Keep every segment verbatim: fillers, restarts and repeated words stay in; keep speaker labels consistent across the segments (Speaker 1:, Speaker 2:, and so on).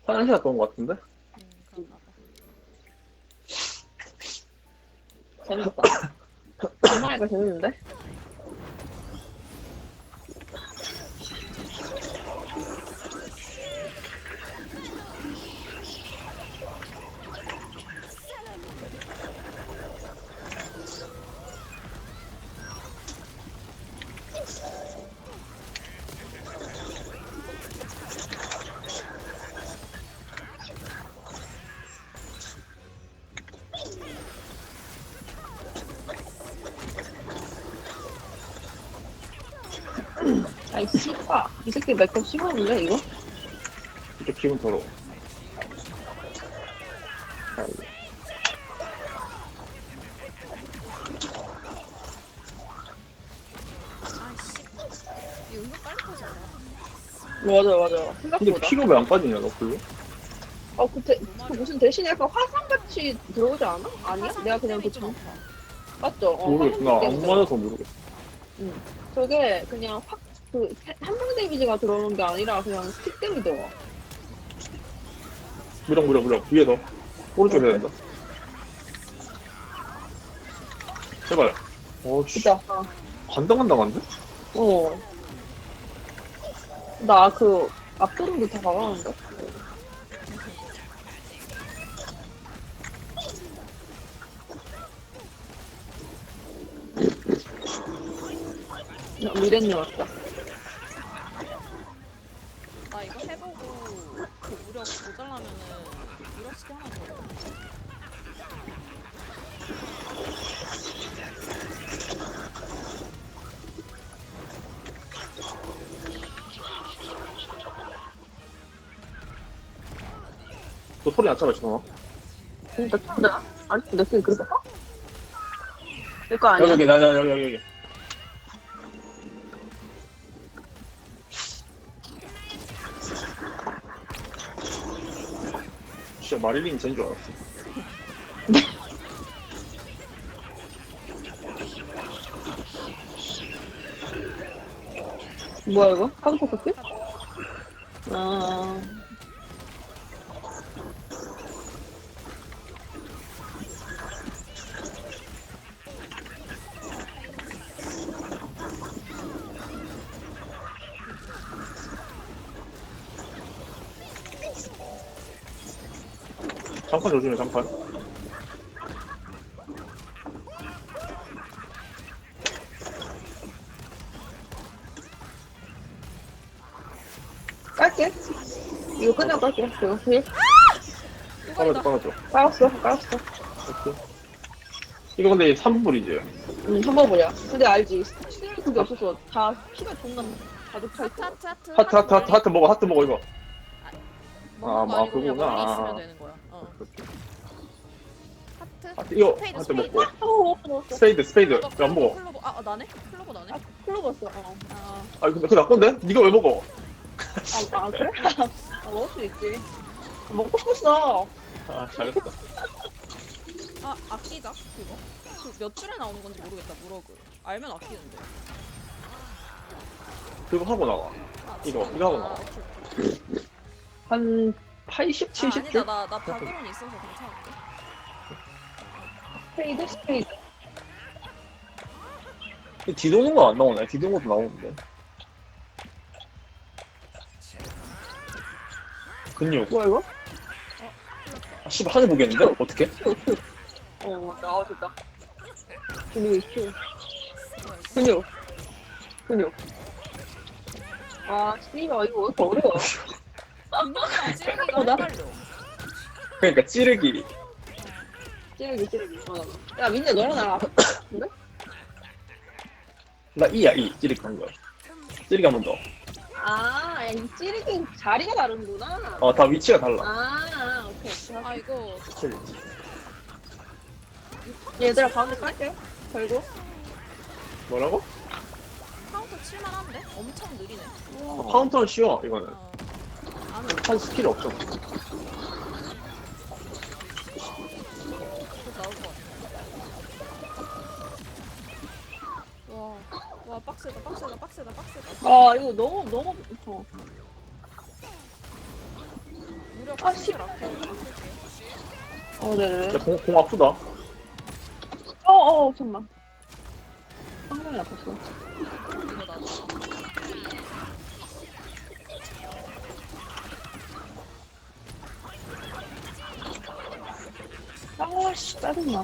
Speaker 1: 화장실 갔다 온 것 같은데?
Speaker 2: 음, 그런가 봐.
Speaker 3: 재밌다. 정말이가 재밌는데? 아이, 씨발. 이 새끼 맥주 씹었는데, 이거?
Speaker 1: 진짜 기분 더러워.
Speaker 2: 아이씨. 이거 은근 빨리 터진다.
Speaker 3: 맞아, 맞아.
Speaker 1: 근데
Speaker 3: 생각보다.
Speaker 1: 피가 왜 안 빠지냐, 너 별로?
Speaker 3: 어, 그, 대, 그 무슨 대신에 약간 화상같이 들어오지 않아? 아니야?
Speaker 2: 화상
Speaker 3: 내가 그냥 그
Speaker 2: 템이 좀
Speaker 3: 정,
Speaker 2: 아파.
Speaker 3: 맞죠? 어,
Speaker 1: 모르겠구나.
Speaker 3: 화상
Speaker 1: 안
Speaker 3: 때문에.
Speaker 1: 맞아서 모르겠어.
Speaker 3: 응. 저게 그냥 확, 그, 한방 데미지가 들어오는 게 아니라 그냥 스틱 때문에 들어와.
Speaker 1: 무력, 무력, 무력. 위에서. 오른쪽에 해야 된다. 제발. 어, 씨.
Speaker 3: 진짜. 어.
Speaker 1: 간당간당한데?
Speaker 3: 어. 나 그, 앞도름도 다 가가는데? 미래님 왔다.
Speaker 2: 나 이거 해보고 그 무력 모자라면은 무력시계 하나 더.
Speaker 1: 너 소리 안 참아, 지금.
Speaker 3: 진짜 진짜? 아니, 내 스킨 그렇게 커? 내거 아니야?
Speaker 1: 여기, 여기, 나, 나, 여기, 여기, 여기. 진짜 마릴린 쟤인 줄 알았어.
Speaker 3: 뭐야, 이거? 카드포 스킨? 아.
Speaker 1: 장판 조심해, 장판.
Speaker 3: 깔게. 이거 끝나고 깔게. 이거 힐?
Speaker 1: 빨아줘, 빨아줘.
Speaker 3: 깔았어, 깔았어.
Speaker 1: 오케이. 이거 근데 삼 분이지?
Speaker 3: 응, 한번보냐. 근데 알지. 치는 그게 없어서 다 피가 존나 가득 차
Speaker 2: 하트
Speaker 3: 있어.
Speaker 2: 하트 하트
Speaker 1: 하트, 하트, 하트, 하트 먹어, 하트 먹어, 이거.
Speaker 2: 먹는 거
Speaker 1: 아,
Speaker 2: 아니고 그냥
Speaker 1: 그거구나.
Speaker 2: 멀리
Speaker 1: 아.
Speaker 2: 있으면 되는 거야. 어. 하트.
Speaker 1: 하트, 이거,
Speaker 2: 스페이드,
Speaker 1: 하트
Speaker 2: 스페이드.
Speaker 1: 먹고.
Speaker 3: 어, 먹었어.
Speaker 1: 스페이드, 스페이드.
Speaker 2: 이거
Speaker 1: 왜 안 먹어?
Speaker 2: 클로버. 아, 아 나네? 클로버 나네?
Speaker 3: 아, 클로버스. 어.
Speaker 2: 아,
Speaker 1: 아, 근데 그거 나 건데? 니가 왜 먹어?
Speaker 3: 아, 아 그래? 아, 먹을 수 있지. 먹고 싶었어.
Speaker 1: 아, 잘했어.
Speaker 2: 아 아끼자 그거. 그 몇 줄에 나오는 건지 모르겠다 무럭을. 알면 아끼는데.
Speaker 1: 그거 하고 나와.
Speaker 2: 아,
Speaker 1: 이거,
Speaker 2: 지금?
Speaker 1: 이거 하고
Speaker 2: 아,
Speaker 1: 나와.
Speaker 2: 오케이, 오케이.
Speaker 3: 한 팔십,
Speaker 2: 아,
Speaker 3: 칠십
Speaker 2: 아니다
Speaker 3: 줄?
Speaker 2: 나나 바구론 있어서 괜찮을게.
Speaker 3: 스페이드, 스페이드.
Speaker 1: 뒤도는 거 안 나오네. 뒤도는 것도 나오는데. 근육.
Speaker 3: 뭐야, 이거?
Speaker 1: 아, 씨발, 하늘 보겠는데? 어떡해?
Speaker 3: 어, 나와줬다. 근육이 큐. 근육. 근육. 아, 씨발, 이거 왜 이렇게 어려워?
Speaker 2: 근육이랑 찌르기가
Speaker 3: 어, 나-
Speaker 2: 헷갈려.
Speaker 1: 그러니까 찌르기.
Speaker 3: 찌르기, 찌르기. 어. 야, 민재, 너랑 나랑 근데?
Speaker 1: 나 이야, 이. 찌르기 한 거야. 찌르기 한 번 더.
Speaker 3: 아, 야, 이 찌르기 자리가 다른구나.
Speaker 1: 어, 다 위치가 달라.
Speaker 3: 아, 오케이.
Speaker 2: 아 이거
Speaker 1: 그치.
Speaker 3: 얘들아, 가운데 깔게. 결국.
Speaker 1: 뭐라고?
Speaker 2: 카운터 칠만한데? 엄청 느리네.
Speaker 1: 어, 카운터는 쉬워, 이거는.
Speaker 2: 어. 안은
Speaker 1: 한 스킬이 없어.
Speaker 2: 곧 나올 것 같아. 와, 와 빡세다, 빡세다, 빡세다, 빡세다.
Speaker 3: 아, 이거 너무, 너무, 어.
Speaker 2: 무력
Speaker 3: 아, 씨.
Speaker 2: 스킬 아껴 쓸게요.
Speaker 3: 어, 네네.
Speaker 1: 야, 공, 공 아프다.
Speaker 3: 어, 어, 잠깐만. 상당히 아팠어.
Speaker 2: 이거 나도.
Speaker 3: 아, 씨, 짜증나.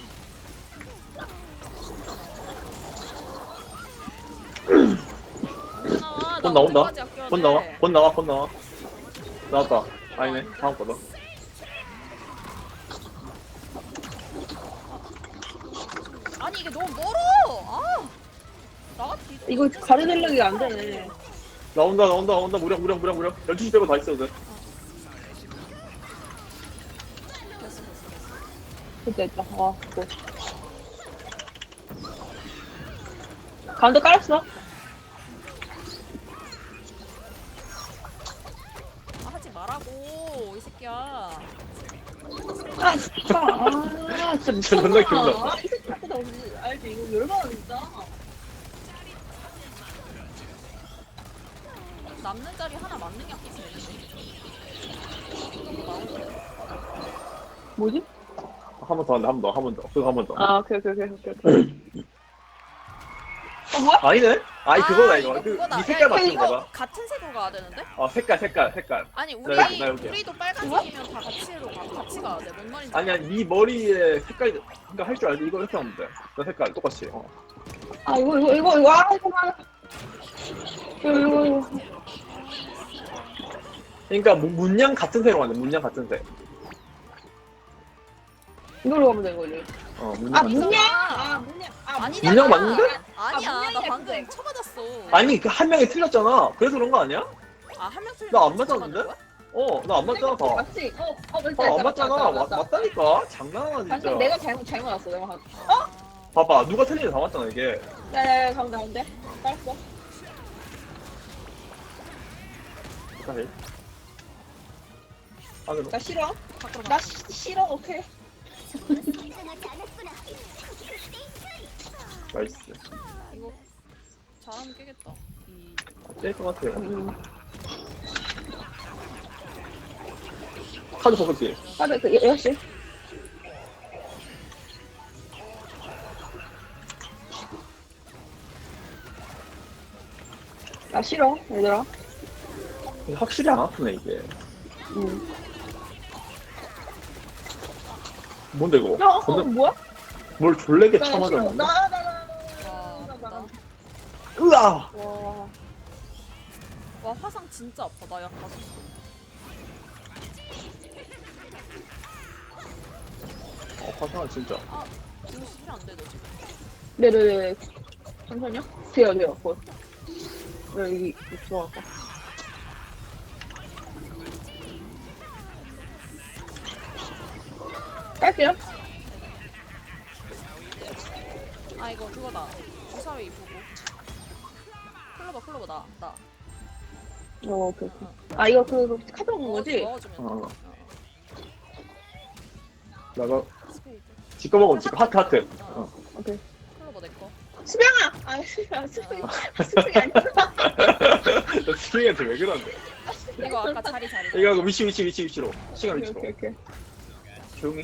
Speaker 2: 언제 나와?
Speaker 1: 곧
Speaker 2: 나
Speaker 1: 나온다.
Speaker 2: 언제까지 아껴야
Speaker 1: 곧
Speaker 2: 돼?
Speaker 1: 나와. 곧 나와. 곧 나와. 나왔다. 아니네. 다음 거다.
Speaker 2: 아니 이게 너무 멀어. 아. 나가 뒤.
Speaker 3: 이거 가르들력이 안 되네.
Speaker 1: 나온다. 나온다. 나온다. 무력 무력 무력 무력. 열두 시 빼고 다 있어도 돼.
Speaker 2: 됐어 됐어 됐어.
Speaker 3: 됐다, 됐다. 아, 뭐. 가운데 깔았어.
Speaker 2: 아, 하지 말라고 이 새끼야.
Speaker 3: 아, 진짜. 아, 진짜
Speaker 1: 진짜 존나
Speaker 3: 미쳤나.
Speaker 1: 귀엽다.
Speaker 3: 아, 이 새끼 자꾸 나 오늘 알지? 이거 열받아, 진짜.
Speaker 2: 남는 자리 하나 맞는 게 아끼지 되는데. 이거 나오는데.
Speaker 3: 뭐지?
Speaker 1: 한 번 더 한다. 한 번 더. 한 번 더. 그거 한 번 더.
Speaker 3: 아, 오케이, 오케이, 오케이, 오케이. 오케이. 어, 뭐야?
Speaker 1: 아니네. 아니 그거다 이거.
Speaker 2: 이거
Speaker 1: 그
Speaker 2: 그거다.
Speaker 1: 네
Speaker 2: 야,
Speaker 1: 색깔
Speaker 2: 이거
Speaker 1: 맞춘
Speaker 2: 이거
Speaker 1: 거다.
Speaker 2: 같은 색으로 가야 되는데?
Speaker 1: 어 색깔 색깔 색깔.
Speaker 2: 아니 우리
Speaker 1: 나 여기, 나 여기야.
Speaker 2: 우리도 빨간색이면 다 같이로 가 같이 가야 돼. 뭔 말인지
Speaker 1: 아니야 네 머리에 색깔 그러니까 할 줄 알지. 이거 이렇게 하면 돼. 그 색깔 똑같이. 어.
Speaker 3: 아, 이거, 이거, 이거, 이거, 아, 이거 많아. 이거, 이거, 이거.
Speaker 1: 그러니까 문- 문양 같은 색으로 가야 돼. 문양 같은 색.
Speaker 3: 이걸로 가면 돼, 이걸로.
Speaker 1: 어 문양.
Speaker 3: 아,
Speaker 1: 같은 색.
Speaker 3: 문양! 아, 문양. 아,
Speaker 2: 아니잖아.
Speaker 1: 문양 맞는데?
Speaker 2: 아니야.
Speaker 3: 아,
Speaker 2: 나
Speaker 3: 문양이야,
Speaker 2: 방금
Speaker 3: 근데.
Speaker 2: 쳐맞았어.
Speaker 1: 아니 그 한 명이 틀렸잖아. 그래서 그런 거 아니야?
Speaker 2: 아, 한 명 틀린
Speaker 1: 나 안
Speaker 2: 거 진짜
Speaker 1: 맞았는데?
Speaker 2: 맞는 거야?
Speaker 1: 어 나 안 맞잖아 다.
Speaker 3: 맞지? 어, 어, 맞다,
Speaker 1: 아, 안
Speaker 3: 맞다,
Speaker 1: 맞잖아.
Speaker 3: 맞다,
Speaker 1: 맞,
Speaker 3: 맞다.
Speaker 1: 맞다니까. 장난하나 진짜.
Speaker 3: 방금 내가 잘못, 잘못 왔어, 내가. 한-
Speaker 2: 아.
Speaker 1: 봐봐. 누가 틀리는지 다 맞잖아 이게.
Speaker 3: 야, 야, 야, 가운데, 가운데. 깔았어.
Speaker 1: 다시. 안으로.
Speaker 3: 나 싫어.
Speaker 2: 밖으로
Speaker 3: 나
Speaker 2: 나.
Speaker 3: 시, 싫어, 오케이.
Speaker 1: 나이스.
Speaker 2: 이거 잘하면 깨겠다. 이
Speaker 1: 깰것 같아요.
Speaker 3: 음.
Speaker 1: 카드 버블기.
Speaker 3: 아, 네, 그, 여- 여시. 나 싫어, 얘들아.
Speaker 1: 확실히 안 아프네 이게.
Speaker 3: 응.
Speaker 1: 뭔데 이거?
Speaker 3: 야, 어,
Speaker 1: 근데
Speaker 3: 뭐야?
Speaker 1: 뭘 졸래게
Speaker 3: 나 싫어. 나,
Speaker 1: 쳐맞았는데?
Speaker 3: 나, 나, 나,
Speaker 2: 와,
Speaker 3: 나, 나, 나.
Speaker 2: 아프다.
Speaker 1: 으아!
Speaker 3: 와.
Speaker 2: 와, 화상 진짜 아파. 나 약 다섯.
Speaker 1: 어, 화상은 진짜.
Speaker 2: 아, 이거 수술 안 돼, 너 지금.
Speaker 3: 네네네. 잠시만요. 돼요, 돼요. 뭐. 네, 여기, 들어갈까. 깔게요.
Speaker 2: 아, 이거 그거다. 주사위 보고. 클로버, 클로버, 나, 나.
Speaker 3: 어, 오케이, 오케이. 아, 이거 그, 그 카드 먹는 거지?
Speaker 2: 넣어주면 돼.
Speaker 1: 어.
Speaker 2: 어.
Speaker 1: 나가
Speaker 2: 스페이드.
Speaker 1: 지꺼 먹으면 지꺼 하트 하트. 어.
Speaker 3: 오케이.
Speaker 2: 클로버 내 거.
Speaker 3: 수병아! 아, 수병, 수병. 수병이 아니구나.
Speaker 1: 나 스윙한테 왜 그러는데?
Speaker 2: 이거 아까 자리 자리.
Speaker 1: 이거 하고 위치 위치 위치 위치로 시간
Speaker 3: 오케이,
Speaker 1: 위치로
Speaker 3: 오케이, 오케이.
Speaker 1: 조용히.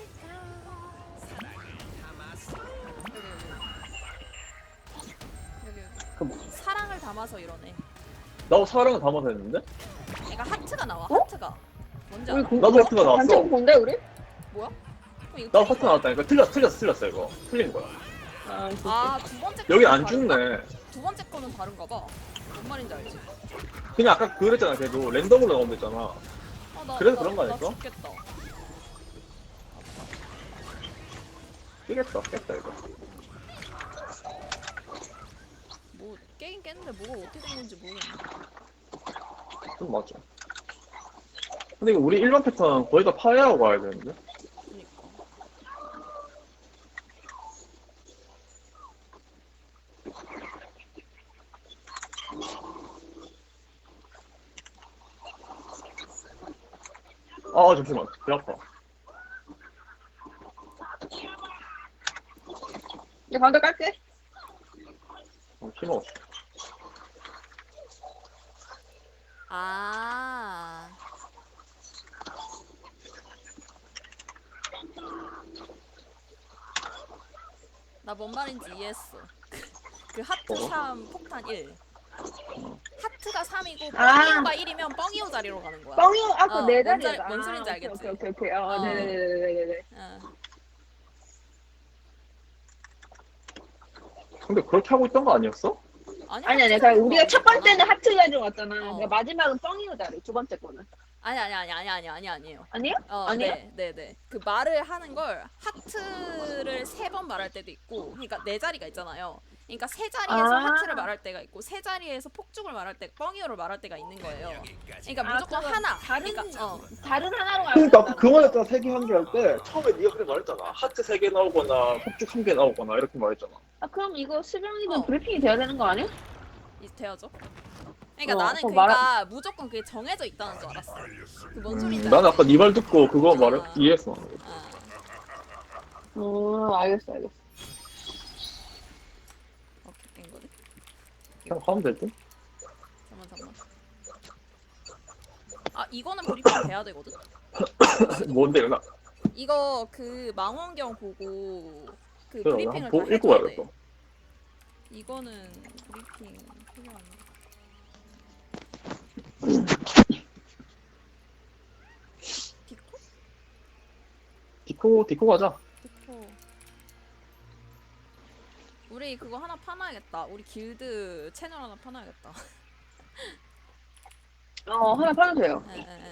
Speaker 2: 여기, 여기.
Speaker 1: 그럼
Speaker 2: 사랑을 담아서 이러네.
Speaker 1: 나도 사랑을 담아서 했는데?
Speaker 2: 얘가 하트가 나와.
Speaker 3: 어?
Speaker 2: 하트가. 뭔지
Speaker 3: 우리
Speaker 2: 알아?
Speaker 3: 공,
Speaker 1: 나도 하트가 나왔어.
Speaker 3: 단체 본데, 우리?
Speaker 2: 뭐야? 어, 이거
Speaker 1: 나도
Speaker 2: 틀린
Speaker 1: 하트
Speaker 2: 거야?
Speaker 1: 나왔다니까. 틀렸어 틀렸어 틀렸어 이거. 틀린 거야.
Speaker 3: 아,
Speaker 2: 아, 두 번째
Speaker 1: 여기
Speaker 2: 거는
Speaker 1: 안
Speaker 2: 다른가?
Speaker 1: 죽네.
Speaker 2: 두 번째 거는 다른가 봐. 뭔 말인지 알지?
Speaker 1: 그냥 아까 그랬잖아. 그래도 랜덤으로 나오면 됐잖아.
Speaker 2: 아, 나,
Speaker 1: 그래서
Speaker 2: 나,
Speaker 1: 그런 거
Speaker 2: 나
Speaker 1: 아닐까?
Speaker 2: 죽겠다.
Speaker 1: 깨겠다 깼다 이거.
Speaker 2: 뭐 깨긴 깼는데 뭐가 어떻게 된 건지 모르겠네.
Speaker 1: 좀 맞아. 근데 이거 우리 일반 패턴 거의 다 파괴하고 가야 되는데?
Speaker 2: 그니까.
Speaker 1: 아 잠시만. 배 아파.
Speaker 3: 이제 가운데 깔게.
Speaker 1: 어, 힘없어.
Speaker 2: 아. 나 뭔 말인지 이해했어. 그 하트
Speaker 1: 어?
Speaker 2: 삼 폭탄 일. 하트가 삼이고
Speaker 3: 아.
Speaker 2: 뻥이오가 일이면 뻥이오 자리로 가는 거야.
Speaker 3: 뻥이 아까
Speaker 2: 어,
Speaker 3: 네
Speaker 2: 뭔
Speaker 3: 자리다.
Speaker 2: 자- 뭔 소린지
Speaker 3: 아,
Speaker 2: 알겠지?
Speaker 3: 오케이 오케이 오케이. 어,
Speaker 2: 어.
Speaker 3: 네네네네네.
Speaker 2: 어.
Speaker 1: 근데 그렇게 하고 있던 거 아니었어?
Speaker 2: 아니
Speaker 3: 아니 아니.
Speaker 2: 하트
Speaker 3: 그러니까
Speaker 2: 자리로
Speaker 3: 우리가 첫
Speaker 2: 가는
Speaker 3: 번째는
Speaker 2: 거잖아.
Speaker 3: 하트 자리로 갔잖아.
Speaker 2: 어.
Speaker 3: 그러니까 마지막은 뻥이오 자리. 두 번째 거는.
Speaker 2: 아니 아니 아니 아니 아니 아니 아니에요.
Speaker 3: 아니요?
Speaker 2: 어,
Speaker 3: 아니에요?
Speaker 2: 네, 네, 네. 그 말을 하는 걸 하트를 세 번 말할 때도 있고, 그러니까 네 자리가 있잖아요. 그러니까 세 자리에서
Speaker 3: 아.
Speaker 2: 하트를 말할 때가 있고, 세 자리에서 폭죽을 말할 때, 뻥이오를 말할 때가 있는 거예요. 그러니까
Speaker 3: 아,
Speaker 2: 무조건
Speaker 3: 그럼
Speaker 2: 하나.
Speaker 3: 다른-
Speaker 2: 그러니까 어,
Speaker 3: 다른 하나로 가야
Speaker 1: 그러니까
Speaker 3: 된다는
Speaker 1: 그 말했잖아. 세 개 한 개 할 때 처음에 네가 그렇게 말했잖아. 하트 세 개 나오거나 폭죽 한 개 나오거나 이렇게 말했잖아.
Speaker 3: 아, 그럼 이거 수병이는
Speaker 2: 어.
Speaker 3: 브리핑이 돼야 되는 거 아니야?
Speaker 2: 이 되어죠. 그러니까
Speaker 3: 어,
Speaker 2: 나는
Speaker 3: 그거
Speaker 2: 그러니까 무조건 그게 정해져 있다는 줄 알았어. 그 뭔 소리인지
Speaker 1: 음, 나는
Speaker 2: 알지?
Speaker 1: 아까 네 말 듣고 그거
Speaker 2: 아.
Speaker 1: 말을 이해했어.
Speaker 2: 아,
Speaker 3: 어, 알겠어, 알겠어.
Speaker 2: 오케이, 된 거네.
Speaker 1: 그냥 하면 될 듯?
Speaker 2: 잠만 잠만. 아 이거는 브리핑 돼야 되거든.
Speaker 1: 뭔데, 누나?
Speaker 2: 이거 그 망원경 보고 그
Speaker 1: 그래,
Speaker 2: 브리핑을
Speaker 1: 한번
Speaker 2: 다
Speaker 1: 보- 읽고
Speaker 2: 해줘야 돼.
Speaker 1: 와야겠어.
Speaker 2: 이거는 브리핑 필요한데. 디코?
Speaker 1: 디코, 디코 가자.
Speaker 2: 디코. 우리 그거 하나 파놔야겠다. 우리 길드 채널 하나 파놔야겠다.
Speaker 3: 어, 하나 팔아주세요.
Speaker 2: 에, 에, 에.